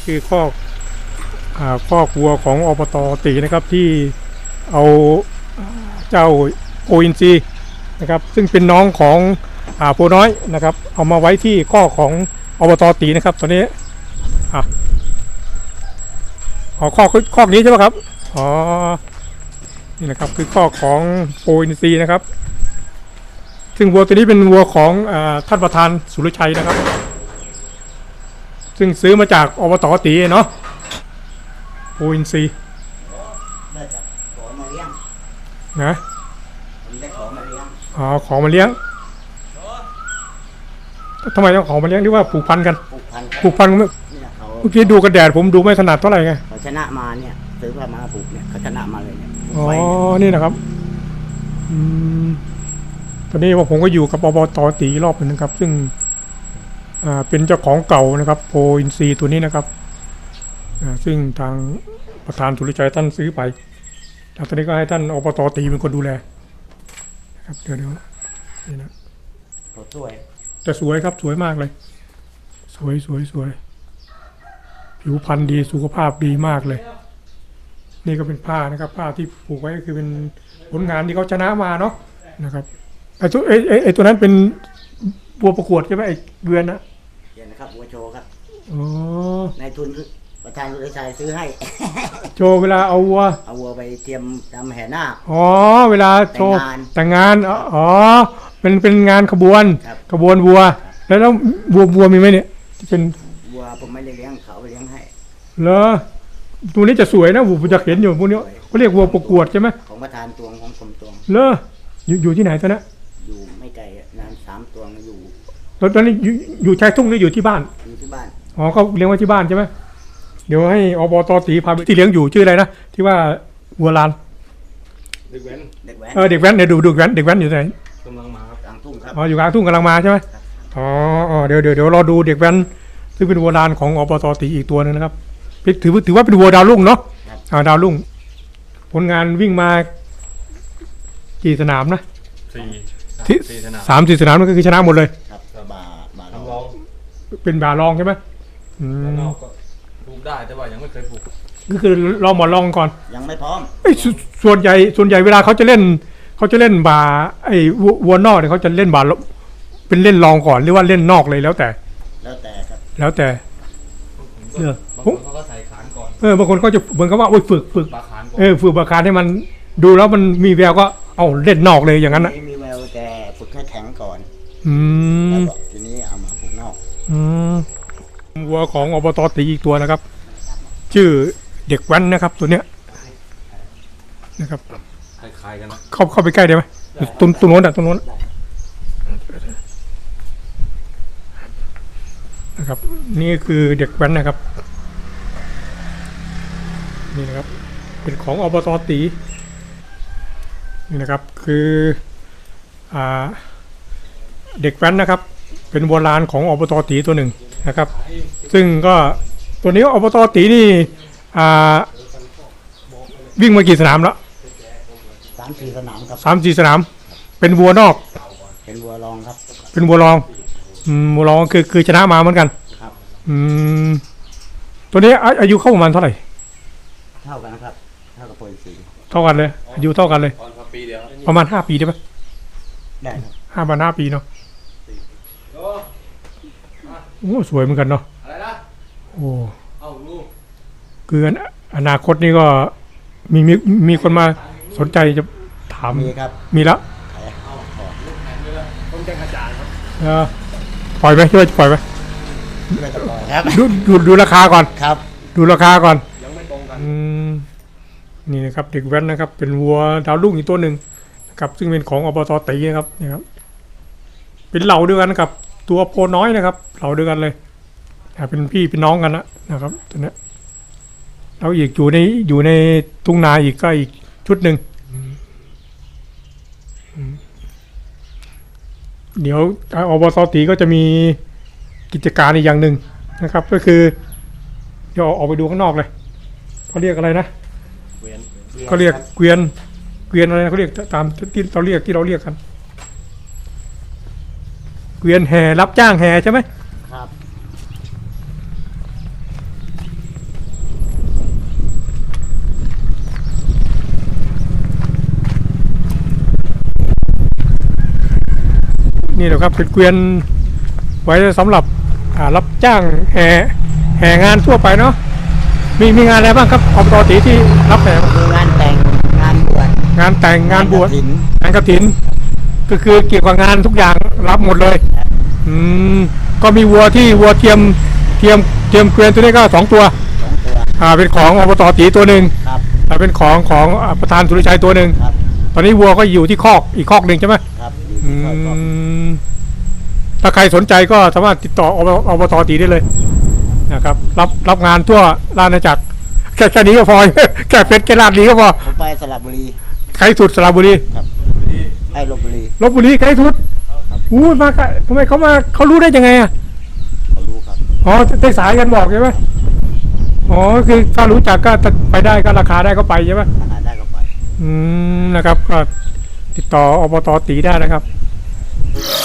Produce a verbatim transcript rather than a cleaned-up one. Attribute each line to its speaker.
Speaker 1: คือคอกอ่าคอกวัวของอบต.ตีนะครับที่เอาเจ้าโออินซีนะครับซึ่งเป็นน้องของอ่าโพน้อยนะครับเอามาไว้ที่คอกของอบต.ตีนะครับตอนนี้อ่ะอ๋อคอกคอกนี้ใช่ไหมครับอ๋อนี่นะครับคือคอกของโออินซีนะครับซึ่งวัวตัวนี้เป็นวัวของอ่าท่านประธานสุรชัยนะครับซึ่งซื้อมาจากอบต.ตีเนาะโออินซี
Speaker 2: ได้จากขอมาเลี้ยง
Speaker 1: นะ
Speaker 2: ผมได้ขอมาเลี้ยง
Speaker 1: อ๋อของมาเลี้ยงทำไมต้องของมาเลี้ยงที่ว่าผูกพันกัน
Speaker 2: ผูกพัน
Speaker 1: ผูกพันเมื่อเมื่อกี้ดูกระแดดผมดูไม่ถนัดเท่าไหร่ไง
Speaker 2: เขาชนะมาเนี่ยซื้อมามาผูกเนี่ยเขาชนะมาเลยเนี่ย
Speaker 1: อ๋อนี่นะครับอืมตอนนี้ว่าผมก็อยู่กับอบต.ตีรอบนึงนะครับซึ่งอ่าเป็นเจ้าของเก่านะครับโพอินซีตัวนี้นะครับอ่าซึ่งทางประธานสุรชัยท่านซื้อไปแล้วตอนนี้ก็ให้ท่านอบต.ตีเป็นคนดูแลนะครับเดี๋ยวเดี๋ยวนี่นะ
Speaker 2: สวย
Speaker 1: จะสวยครับสวยมากเลยสวยสวยสวยผิวพรรณดีสุขภาพดีมากเลยนี่ก็เป็นผ้านะครับผ้าที่ผูกไว้ก็คือเป็นผลงานที่เขาชนะมาเนาะนะครับไอ้ตัวไอ้ไอ้ไอ้ตัวนั้นเป็นบัวประกวดใช่ไหมไอ้เบือนนะ
Speaker 2: เดี๋ยวนะครับบัวโชว์ครับ
Speaker 1: อ๋อ
Speaker 2: ในทุนประธานสุรชัยซื้อให้
Speaker 1: โชว์เวลาเอาวัว
Speaker 2: เอาวัวไปเตรียมทำแห่นาค
Speaker 1: อ๋อเวลาโชว์แต่งงานอ๋อเป็นเป็นงานขบวนขบวนวัวแล้วแล้ววัววัวมีไหมเนี่ยเป็น
Speaker 2: วัวผมไม่ได้เลี้ยงเขาไปเลี้ยงให้
Speaker 1: เหรอตัวนี้จะสวยนะผมจะเห็นอยู่พวกนี้เขาเรียกวัวประกวดใช่ไหม
Speaker 2: ของประธานตวงของผมตวง
Speaker 1: เหรออยู่อยู่ที่ไหนตอนนั้น
Speaker 2: อยู่ไม่ไกลนานสามตวงอยู่
Speaker 1: ตอนนี้อยู่อยู่ชายทุ่งหรืออยู่ที่บ้าน
Speaker 2: อยู่ที่บ้าน
Speaker 1: อ๋อเขาเลี้ยงไว้ที่บ้านใช่ไหมเดี๋ยวให้อบต.ตีพาไปที่เลี้ยงอยู่ชื่ออะไรนะที่ว่าวัวลาน
Speaker 2: เด็กแว้นเด็กแว้น
Speaker 1: เออเด็กแว้นเนี่ยดูดูแว้นเด็กแว้นอยู่ไหน
Speaker 2: กำลังมาครับกลางทุ่งครับ
Speaker 1: อ๋ออยู่กลางทุ่งกำลังมาใช่ไหมอ๋ออ๋อเดี๋ยวเดี๋ยวเดี๋ยวรอดูเด็กแว้นซึ่งเป็นวัวลานของอบต.ตีอีกตัวนึงนะครับถือถือว่าเป็นวัวดาวรุ่งเนาะอ่าดาวรุ่งผลงานวิ่งมากี่สนามนะ
Speaker 2: สี่
Speaker 1: สามสี่สนามนั่นก็คือชนะหมดเลย
Speaker 2: ครับบาบาลอง
Speaker 1: เป็นบาลองใช่ไหมอืม
Speaker 3: ผูกได้แต่ว่ายังไม่เคยผูก
Speaker 1: ก็คือลองหมดลองก่อน
Speaker 2: ยังไม่พร้อม
Speaker 1: ไอ้ส่วนใหญ่ส่วนใหญ่เวลาเขาจะเล่นเขาจะเล่นบาไอ้วัวนอกเนี่ยเขาจะเล่นบาเป็นเล่นลองก่อนหรือว่าเล่นนอกเลยแล้วแต่
Speaker 2: แล้วแต่ครับ
Speaker 1: แล้วแต่
Speaker 3: เออบางคนเขาก็ใส่ขานก่อน
Speaker 1: เออบางคนก็จะเหมือนกับว่าโอ้ยฝึกฝึกเออฝึกบาคานให้มันดูแล้วมันมีแววก็เอาเล่นนอกเลยอย่างนั้นนะ
Speaker 2: มีแววแต่ฝึกให้แข็งก่อน
Speaker 1: อืม
Speaker 2: แล้วทีนี้เอามาฝึกนอก
Speaker 1: อืมวัวของอบต.ตีอีกตัวนะครับชื่อเด็กแว้นนะครับตัวเนี้ยนะครับ
Speaker 3: คล้ายๆกันนะ
Speaker 1: เข้าเข้าไปใกล้ได้ไหมตรงตรงโน้นอ่ะตรงโน้นนะครับนี่คือเด็กแว้นนะครับนี่นะครับเป็นของอบต.ตีนี่นะครับคืออ่าเด็กแว้นนะครับเป็นโบราณของอบต.ตีตัวหนึ่งนะครับซึ่งก็ตัวนี้อบต.ตีนี่อ่าวิ่งมากี่สนามแล้ว
Speaker 2: สามสี่สนามครับ
Speaker 1: สามสี่สนามเป็นวัวนอก
Speaker 2: เป็นวัวรองครับ
Speaker 1: เป็นวัวรองอืมวัวรองคือคือชนะมาเหมือนกัน
Speaker 2: ครับ
Speaker 1: อืมตัวนี้อายุเข้าประมาณเท่าไหร่
Speaker 2: เท่ากันนะครับเท่ากับโพลิซี
Speaker 1: เท่ากันเลยอายุเท่ากันเลยประมาณห้าปีได้ไหม
Speaker 2: ได้ครับ
Speaker 1: ห้าประมาณห้าปีเนาะโอ้สวยเหมือนกันเนาะโอ้คืออนาคตนี่ก็มีมีมีคนมาสนใจจะถาม
Speaker 2: มีครับ
Speaker 1: มีแล้ว
Speaker 3: ต้องแจ้งอาจารย์ครับ
Speaker 1: เออปล่อยไหมช่วยปล่อยไหมดูดูดูราคาก่อน
Speaker 2: ครับ
Speaker 1: ดูราคาก่อน
Speaker 3: ยังไม่ตรงกัน
Speaker 1: นี่นะครับเด็กแว้นนะครับเป็นวัวดาวรุ่งอีกตัวหนึ่งนะครับซึ่งเป็นของอบต.ตีนะครับนี่ครับเป็นเหล่าเดียวกันกับตัวโพน้อยนะครับเหล่าเดียวกันเลยเป็นพี่เป็นน้องกันนะนะครับตัวนี้แล้วอีกอยู่ในอยู่ในทุ่งนาอีกก็อีกชุดหนึ่งเดี๋ยวอบต.ตีก็จะมีกิจการอีกอย่างหนึ่งนะครับก็คือเดี๋ยวออกไปดูข้างนอกเลยเขาเรียกอะไรนะเขาเรียกเกวียนเกวียนอะไรเขาเรียกตามที่เราเรียกที่เราเรียกกันเกวียนแห่รับจ้างแห่ใช่ไหม
Speaker 2: ครับ
Speaker 1: นี่แหละครับเป็นเกวียนไว้สำหรับอ่ารับจ้างแห่แห่งานทั่วไปเนาะมีมีงานอะไรบ้างครับอบตตีที่รับแห่
Speaker 2: มีงานแต่งงานบวช
Speaker 1: งานแต่งงานบวช
Speaker 2: กฐิน
Speaker 1: งานกฐินก็คือเกี่ยวกับงานทุกอย่างรับหมดเลยอืมก็มีวัวที่วัวเทียมเทียมเทียมเกวียนตัวนี้ก็สองตัว
Speaker 2: สองตัว
Speaker 1: อ่าเป็นของอบตตีตัวหนึ่ง
Speaker 2: ครับ
Speaker 1: อ่าเป็นของของอ่าประธานสุริชัยตัวหนึ่ง
Speaker 2: ครับ
Speaker 1: ตอนนี้วัวก็อยู่ที่คอกอีกคอกหนึ่งใช่ไหม
Speaker 2: ครับอยู่
Speaker 1: อื
Speaker 2: ที่คอยก็
Speaker 1: มถ้าใครสนใจก็สามารถติดต่ออบอบตตีได้เลยนะครับรับรับงานทั่วราชอาณาจักรแค่แค่นี้ก็พอ แค่เพชรแค่ลาดนี้ก็พอ
Speaker 2: ผมไปสระบุรี
Speaker 1: ใครสุดสระบุรี
Speaker 2: ไอ้ลบบุรี
Speaker 1: ลบบุรีใครสุดอู้มาไกลทำไมเขามาเขารู้ได้ยังไงอ่ะ
Speaker 2: เขารู้ครับ
Speaker 1: อ๋อได้สายกันบอกใช่ไหมอ๋อคือถ้ารู้จักก็ไปได้ก็ราคาได้ก็ไปใช่ไหม
Speaker 2: หาได้ก็ไป
Speaker 1: อืมนะครับก็ติดต่ออบตตีได้นะครับ